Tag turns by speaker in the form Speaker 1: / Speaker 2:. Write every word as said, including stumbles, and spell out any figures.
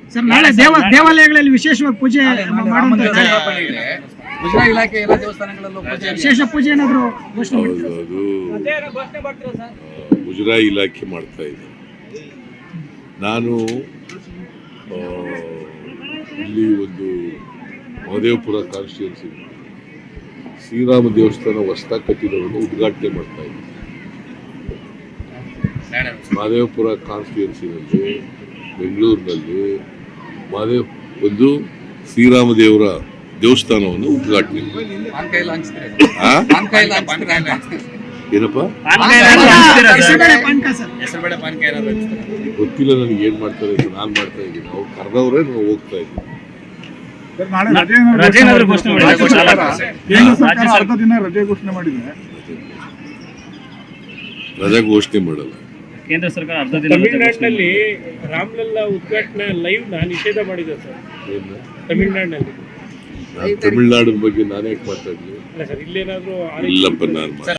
Speaker 1: Sir ನಾಳೆ ದೇವ ದೇವಾಲಯಗಳಲ್ಲಿ ವಿಶೇಷವಾಗಿ ಪೂಜೆ ಮಾಡುವಂತ
Speaker 2: ಮುಜರಾ ಇಲಾಖೆ ಎಲ್ಲ ದೇವಸ್ಥಾನಗಳಲ್ಲೂ
Speaker 1: ವಿಶೇಷ ಪೂಜೆ ಏನಾದ್ರು ಘೋಷಣೆ
Speaker 3: ಮುಜರಾ ಇಲಾಖೆ ಮಾಡ್ತಾ ಇದೆ. ನಾನು ಇಲ್ಲಿ ಒಂದು ಮಹದೇವಪುರ ಕಾನ್ಸ್ಟಿಟ್ಯೂನ್ಸಿ ಶ್ರೀರಾಮ ದೇವಸ್ಥಾನ ಹೊಸದಾಗಿ ಕಟ್ಟಿರೋದನ್ನು ಉದ್ಘಾಟನೆ ಮಾಡ್ತಾ ಇದ್ದೀನಿ. ಮಹದೇವಪುರ ಕಾನ್ಸ್ಟಿಟ್ಯೂನ್ಸಿನಲ್ಲಿ ಬೆಂಗಳೂರಿನಲ್ಲಿ ಮಹದೇವ್ ಒಂದು ಶ್ರೀರಾಮ ದೇವರ ದೇವಸ್ಥಾನವನ್ನು ಉದ್ಘಾಟನೆ ಏನಪ್ಪ ಗೊತ್ತಿಲ್ಲ ನನಗೆ ಏನ್ ಮಾಡ್ತಾರೆ ಅಂತ. ನಾನು ಮಾಡ್ತಾ ಇದ್ದೀನಿ, ಅವ್ರು ಕರೆದವ್ರೆ ನಾನು ಹೋಗ್ತಾ ಇದ್ದೀನಿ. ರಜಾ ಘೋಷಣೆ ಮಾಡಲ್ಲ
Speaker 4: ಕೇಂದ್ರ ಸರ್ಕಾರ. ಅರ್ಧ ದಿನ
Speaker 5: ತಮಿಳುನಾಡಿನಲ್ಲಿ ರಾಮಲಲ್ಲಾ ಉದ್ಘಾಟನೆ ಲೈವ್ ನಾ ನಿಷೇಧ ಮಾಡಿದೆ ಸರ್. ತಮಿಳುನಾಡಿನಲ್ಲಿ
Speaker 3: ತಮಿಳುನಾಡಿನ ಬಗ್ಗೆ ನಾನೇ ಮಾತಾಡ್ಲಿ?
Speaker 5: ಇಲ್ಲೇನಾದ್ರೂ
Speaker 3: ಇಲ್ಲಪ್ಪ ನಾನು